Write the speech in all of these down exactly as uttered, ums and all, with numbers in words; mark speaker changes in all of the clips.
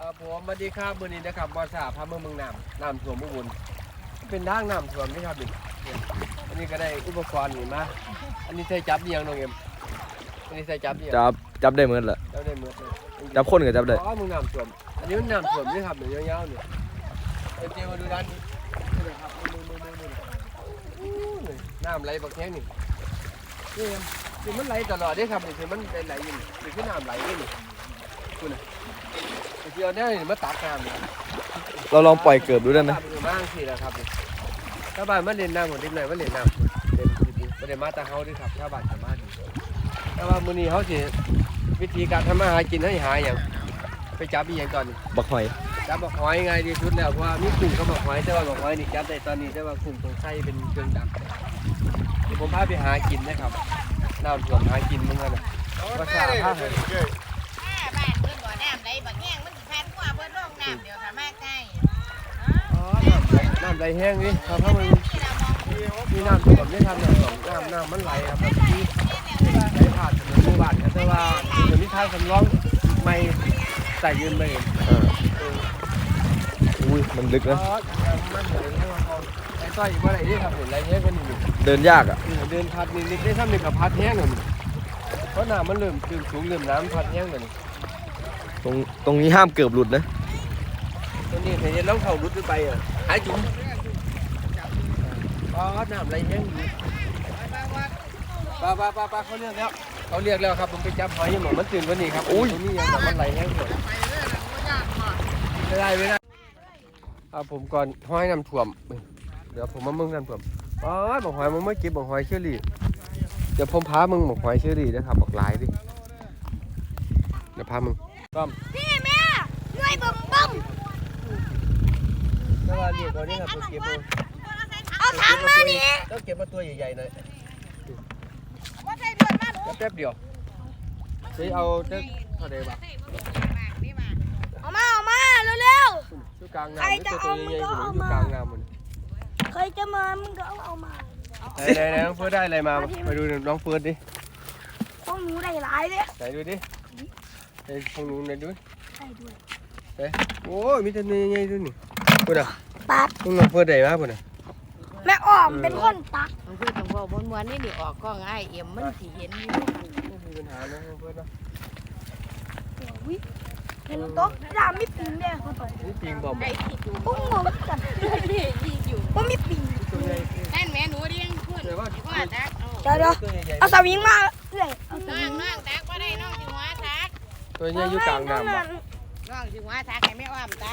Speaker 1: ครับผมสวัสดีครับวันนี้นะครับบอสาพาเมืองเมืองน้ำน้ำท่วมอุบลเป็นทางน้ำท่วมนี่ครับดิอันนี้ก็ได้อุปกรณ์นี่มาอันนี้ใส่จับเดียงน้องเอ็มอันนี้ใส่จับเดียง
Speaker 2: จับจับได้เหมือนเหรอ
Speaker 1: จับได้เหมือนเลย
Speaker 2: จับคนก็จับได้
Speaker 1: อ๋อเมืองน้ำท่วมอันนี้มันน้ำท่วมนี่ครับเนี่ยยาวๆเนี่ยเดี๋ยวมาดูด้านนี้นี่นะครับมือมือมือมือน้ำไหลบักแข้งนี่นี่เอ็มคือมันไหลตลอดนี่ครับนี่คือมันไหลอยู่นี่คือน้ำไหลนี่นี่คุณน่ะเดี๋ยวได้มาตักน้ำนี่
Speaker 2: เราลองปล่อยเกิบดูได้ไหม
Speaker 1: บ้างสินะครับถ้าบ้านมาเล่นน้ำหมดที่ไหนมาเล่นน้ำเล่นดีๆไม่ได้มาตาเขาด้วยครับถ้าบ้านสามารถถ้าว่ามื้อนี้เขาสิวิธีการทำมาหากินให้หาอย่างไปจับอีกอย่างก่อน
Speaker 2: บักหอย
Speaker 1: จับบักหอยง่ายที่สุดแล้วเพราะว่ามีกุ้งกับบักหอยแต่ว่าบักหอยนี่จับได้ตอนนี้แต่ว่ากุ้งต้องใช้เป็นเครื่องดักผมพาไปหากินนะครับน้ำท่วมหากินมึงกันนะภาษาภาคเลย
Speaker 3: บ้านเพิ่นบ่อน้ำไหลบักแห้งมันสิพันกว่าเพิ่นลงน้ำเดี๋ยวถ้ามาใกล้
Speaker 1: อ๋อน้ำไหลแห้งนี่ครับเพราะมันมีน้ำท่วมนี่ครับน้ำท่วมน้ำน้ำมันไหลครับแบบที่ไหลผ่านถนนหมู่บ้านครับแต่ว่าเดี๋ยวนี้ทางสำรองไม่ใส่ยืนไปเอง
Speaker 2: อุ้ยมันลึกนะ
Speaker 1: มันเหมือนไอ้ต้อยอีกว่าอะไรนี่ครับเห็นไรแห้งกันอยู่
Speaker 2: เดินยากอ่ะ
Speaker 1: เดินพัดนิดๆได้ซ้ำหนึ่งกับพัดแห้งหน่อยเพราะน้ำมันเริ่มเริ่มสูงเริ่มน้ำพัดแห้งเลย
Speaker 2: ตรงตรงนี้ห้ามเกือบหลุดนะ
Speaker 1: ตรงนี้เห็นแล้วเขารุดไปอ่ะหายจุ๋มอ๋อน้ำไรแห้งอยู่ปลาปลาปลาปลาเขาเรียกแล้วเขาเรียกแล้วครับผมไปจับหอยยังหมอมันตื่นวันนี้ครับอุ้ยตรงนี้ยังมันไหลแห้งอยู่ไม่ได้ไม่ได้เอาผมก่อนหอยน้ำท่วมเดี๋ยวผมมามึงน้ำท่วมอ๋อบอกหอยมึงไม่เก็บบอกหอยเชอรี่เดี๋ยวผมพามึงบอกหอยเชอรี่นะครับบอกลายดิเดี๋ยวพามึงต้อม
Speaker 3: พี่แม่ช่วยบึ้มบึ้ม
Speaker 1: แล้วเรียกเขาเนี่ยครับเก็บมา
Speaker 3: เอาถังมาดิ
Speaker 1: ต้องเก็บมาตัวใหญ่ๆหน่อย
Speaker 3: ว่าใส่เดือนมาหนู
Speaker 1: แป๊บเดียวใช้เอาเด็กเท่าไหร่บ้าง
Speaker 3: เอามาเอามาเร็ว
Speaker 1: ๆอยู่กลางน้ำตัวตัวใหญ่ๆอยู่กลางน้ำมัน
Speaker 3: ใครจะมามึงก็เอาเอามา
Speaker 1: ไหนๆน้องเฟิร์สได้อะไรมาไปดูน้องเฟิร์สดิ
Speaker 3: ของหนูได้หลายเลย
Speaker 1: ไหนดูดิไอ้ของหนูไหนดู
Speaker 3: ได้ด้วย
Speaker 1: เฮ้ยโอ้ยมีแต่เนื้อใหญ่ด้วยนี่พูดอ่ะ
Speaker 3: ตัก
Speaker 1: ต้องน้องเฟิร์สได้มาพูดอ่ะ
Speaker 3: แม่อ้อมเป็นคนตัก
Speaker 4: มันคือต้องบอกบนวันนี้นี่ออกกล้องไอ้เอ็มมันสิเห็นอยู่
Speaker 1: ไม่มีปัญหานะน้องเฟิร์สนะ
Speaker 3: วิเห็นโต๊ะดาไม่ปิงเลยเขาต่อย
Speaker 1: นี่ปิงบอม
Speaker 4: ไอ้ที่อยู่
Speaker 3: ปุ้งงงกัน
Speaker 4: นี่ที่อยู่
Speaker 3: ว่ามีปิง
Speaker 4: นั่นแม่หนูเลี้ยงขึ้นว่าตัก
Speaker 3: เดี๋ยวเดี๋ยวเอาสวิงมาเลย
Speaker 4: น้องน้องตักว่าได้น้องสิหัวตัก
Speaker 1: ตัวนี้อยู่กลางน้ำ
Speaker 4: น้องสิหัวตักให้แม่อ้อมตัก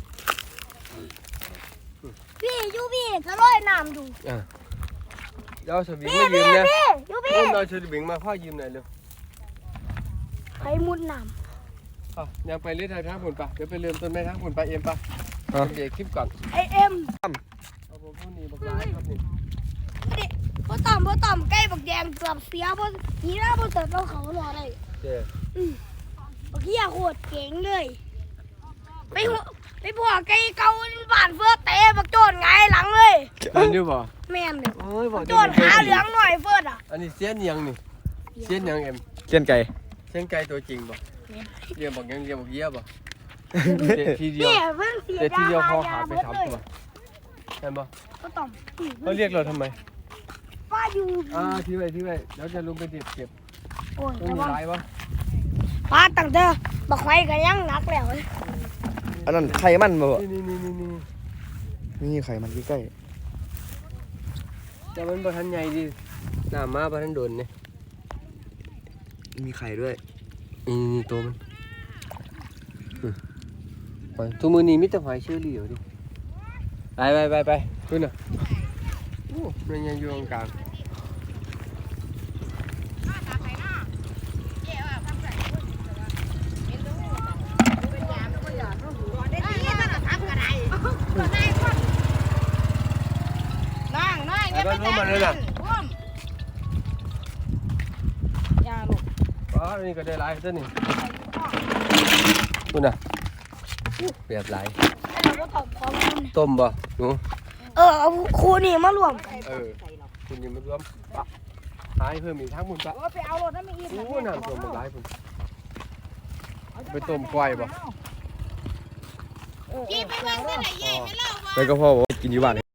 Speaker 3: พี่ยูพี่จะลอยน้ำดู
Speaker 1: อ่ะเดี๋ยวสวิงมายืมนะ
Speaker 3: ยูพี่
Speaker 1: เราสวิงมาพ่อยืมหน่อยเร็ว
Speaker 3: ไปมุดน้ำ
Speaker 1: อ่ะยังไปเล่นทางผุนปะเดี๋ยวไปเริ่มต้นแม่ทางผุนปะเอ็มปะเดี๋ยวคลิปก่อน
Speaker 3: ไอเอ็ม
Speaker 1: เอาผมพูดนี่บอกร้ายครับนี่
Speaker 3: นี่พ่อต่อมพ่อต่อมใกล้บักแดงเกือบเสียพ่อทีหน้าพ่อเติร์ดเราเขารอเลย
Speaker 1: เจ้
Speaker 3: อืมบักเหี้ยโคตรเก่งเลยไปหัวไปพวกไก่เก่าบ้านเฟื่อเตะบักโจนไงหลังเลย
Speaker 1: มันดูบ่
Speaker 3: แม่เนี่ยโจนขาเหลืองหน่อยเฟื่ออ่ะ
Speaker 1: อันนี้เสี้ยนยังนี่เสี้ยนยังเอ็ม
Speaker 2: เสี้ยนไก่
Speaker 1: เสี้ยนไก่ตัวจริงบ่เรียกบอกยังเรียกบอกเยี่ยบ่ทีเดียวแต่ทีเดียวพอขาไปสามตัวเห็นบ่
Speaker 3: ก็ต่อม
Speaker 1: เขาเรียกเราทำไม
Speaker 3: ป้าอยู่
Speaker 1: อ่าที่ไว้ที่ไว้แล้วจะลงไปเด็ดเก็บ
Speaker 3: โอ้ย
Speaker 1: ต้องมีลายวะ
Speaker 3: ป้าตั้งเด้อบักไฟก็ยังหนักแล้ว
Speaker 2: อันนั้นไข่มันบ่
Speaker 1: นี่นี่นี่นี่
Speaker 2: นี่ไข่มันใกล้
Speaker 1: แต่มันบ่ทันใหญ่ดิหน้ามาบ่ทันโดนเนี่ย
Speaker 2: มีไข่ด้วย
Speaker 1: นี่ตัวมันหอยตัวมือนี้มิตรหอยเชอรี่อยู่ดิไปไปไปไปขึ้นน่ะโอ้มันยังอยู่ตรงกลาง
Speaker 4: น้องน้องอย่าไปจับมันยาลูก
Speaker 1: อ๋อนี่ก็ได้หลายตัวนี่คุณน่ะเปียกหลายต้มบ่หนู
Speaker 3: เออเอาคูนี่มารวม
Speaker 1: เออคุณนี่มารวมปะหายเพิ่มอีกทั้งหมดปะ
Speaker 3: ไปเอารถนั่นไม่อิ่ม
Speaker 1: โอ้น้ำต้มหลายคุณไปต้มกล้วยบ่
Speaker 4: พี่ไปเบิ่งเส้นไหนใหญ่ไปเล่าว่า
Speaker 2: แล้วก็พ่อบอกว่ากินอยู่บ้าน